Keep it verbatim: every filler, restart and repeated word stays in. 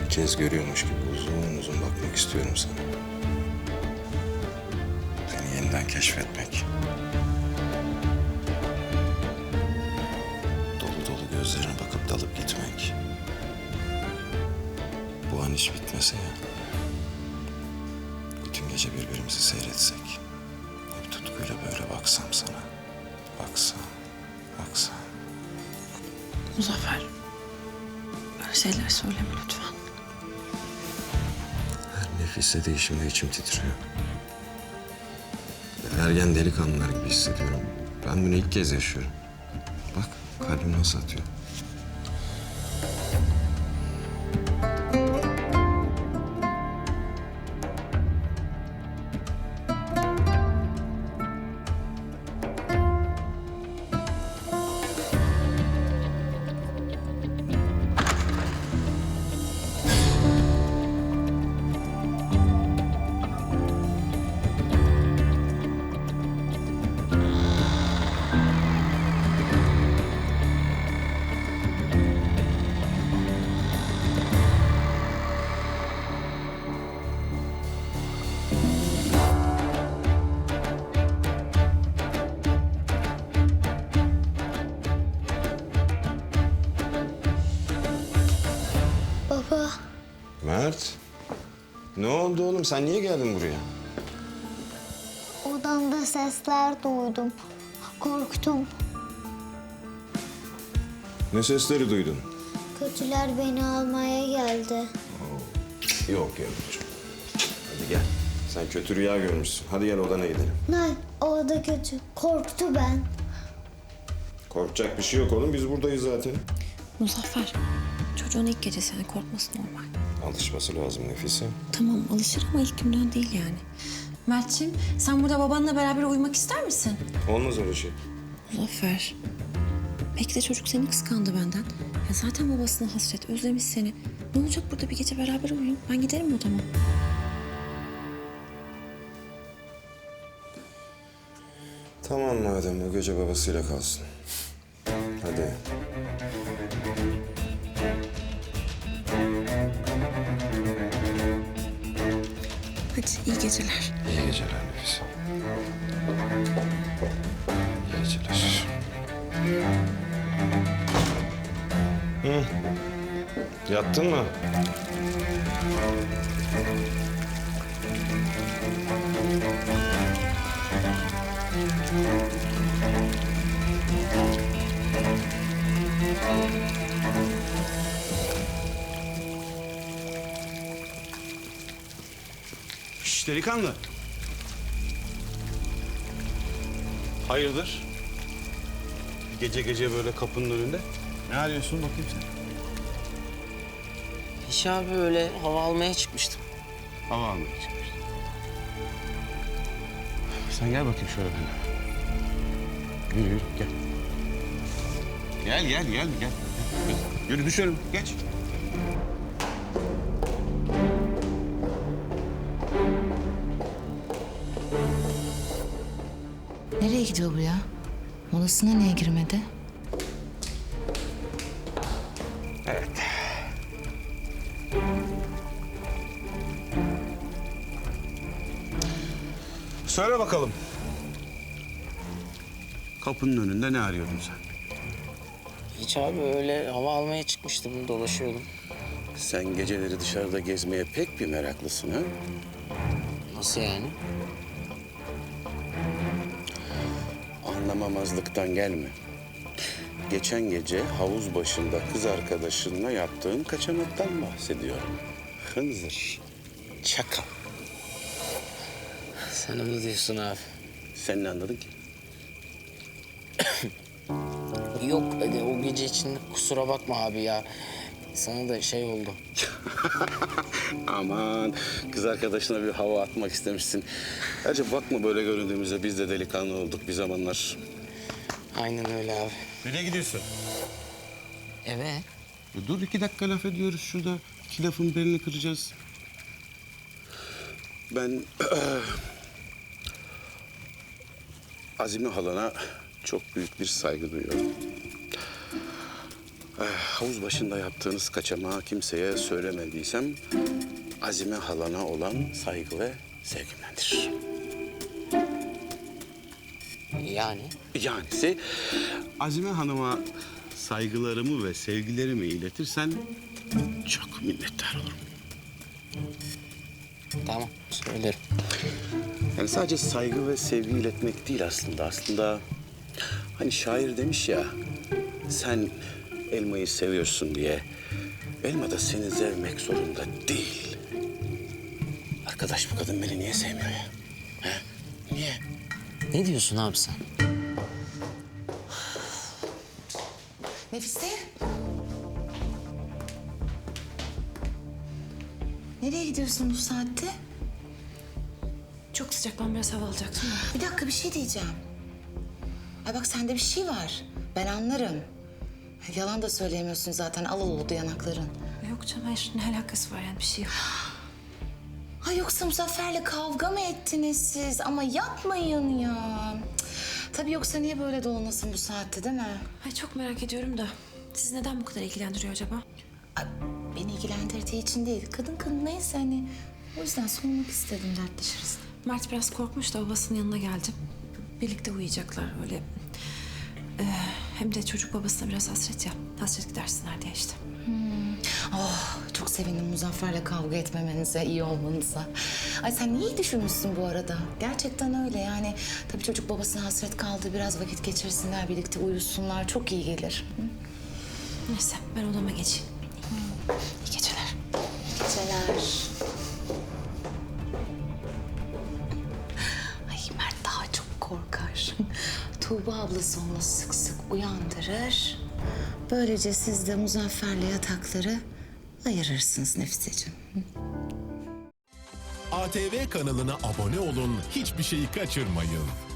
İlk kez görüyormuş gibi uzun uzun bakmak istiyorum sana. Seni yeniden keşfetmek. Dolu dolu gözlerine bakıp dalıp gitmek. Bu an hiç bitmese ya. Bütün gece birbirimizi seyretsek. Hep tutkuyla böyle baksam sana. Baksam, baksam. Muzaffer, böyle şeyler söyleme lütfen. Her nefis değişimde içim titriyor. Ergen delikanlılar gibi hissediyorum. Ben bunu ilk kez yaşıyorum. Bak kalbim nasıl atıyor. Baba, Mert. Ne oldu oğlum? Sen niye geldin buraya? odamda sesler duydum. Korktum. Ne sesleri duydun? Kötüler beni almaya geldi. Yok yavrucuğum. Hadi gel. Sen kötü rüya görmüşsün. Hadi gel odana gidelim. Nay, o da kötü. Korktu ben. Korkacak bir şey yok oğlum. Biz buradayız zaten. Muzaffer, çocuğun ilk gecesi, yani korkması normal. Alışması lazım Nefise. Tamam, alışır ama ilk günden değil yani. Mert'ciğim, sen burada babanla beraber uyumak ister misin? Olmaz öyle şey. Muzaffer, belki de çocuk seni kıskandı benden. Ya zaten babasına hasret, özlemiş seni. Ne olacak burada bir gece beraber uyuyun? Ben giderim odama. Tamam madem bu gece babasıyla kalsın. Hadi. Hadi, iyi geceler. İyi geceler Nefise. İyi geceler. Hı. Yattın mı? Şş, delikanlı. Hayırdır? Gece gece böyle kapının önünde. Ne arıyorsun bakayım sen? Hiç abi öyle hava almaya çıkmıştım. Hava almaya çıkmıştım. Sen gel bakayım şöyle benimle. Yürü yürü gel. Gel gel gel gel. gel. Yürü düşelim geç. Nereye gidiyor bu ya? Molasına niye girmedi? Evet. Söyle bakalım. Kapının önünde ne arıyordun sen? Hiç abi öyle hava almaya çıkmıştım, dolaşıyordum. Sen geceleri dışarıda gezmeye pek bir meraklısın ha? Nasıl yani? Anlamamazlıktan gelme. Geçen gece havuz başında kız arkadaşınla yaptığın kaçamaktan bahsediyorum. Hınzır. Çakal. Sen onu diyorsun abi. Sen ne anladın ki? Yok hadi o gece için kusura bakma abi ya. Sana da şey oldu. Aman kız arkadaşına bir hava atmak istemişsin. Ayrıca bakma böyle göründüğümüzde biz de delikanlı olduk bir zamanlar. Aynen öyle abi. Nereye gidiyorsun? Eve. Ya dur iki dakika laf ediyoruz şurada. İki lafın belini kıracağız. Ben Azime halana çok büyük bir saygı duyuyorum. Eh, havuz başında yaptığınız kaçamağı kimseye söylemediysem Azime halana olan saygı ve sevgimdendir. Yani Yanisi Azime Hanım'a saygılarımı ve sevgilerimi iletirsen çok minnettar olurum. tamam söylerim. Yani sadece saygı ve sevgi iletmek değil aslında. Aslında hani şair demiş ya, sen elmayı seviyorsun diye elma da seni sevmek zorunda değil. Arkadaş, bu kadın beni niye sevmiyor ya? He? Niye? Ne diyorsun abi sen? Nefise? Nereye gidiyorsun bu saatte? Çok sıcak, ben biraz hava alacaktım. Bir dakika, bir şey diyeceğim. Ay bak, sende bir şey var. Ben anlarım. Yalan da söyleyemiyorsun zaten. Al oldu yanakların. Yok canım, hayır, ne alakası var yani, bir şey yok. Ha yoksa Muzaffer'le kavga mı ettiniz siz? Ama yapmayın ya. Cık. Tabii yoksa niye böyle dolanasın bu saatte, değil mi? Ay çok merak ediyorum da, siz neden bu kadar ilgilendiriyor acaba? Ay, beni ilgilendirdiği için değil. Kadın kadın neyse hani. O yüzden sormak istedim, dertleşiriz. Mert biraz korkmuş da babasının yanına geldi. Birlikte uyuyacaklar öyle. Ee, hem de çocuk babasına biraz hasret ya. Hasret gidersinler diye işte. Oh, çok sevindim Muzaffer'le kavga etmemenize, iyi olmanıza. Ay sen iyi düşünmüşsün bu arada. Gerçekten öyle yani. Tabii çocuk babasına hasret kaldı. Biraz vakit geçirsinler, birlikte uyusunlar. Çok iyi gelir. Hı? Neyse, ben odama geçeyim. İyi geceler. İyi geceler. Ay Mert daha çok korkar. Tuğba ablası onu sık sık uyandırır. Böylece siz de Muzaffer'le yatakları ayırırsınız Nefiseciğim. A T V kanalına abone olun, hiçbir şeyi kaçırmayın.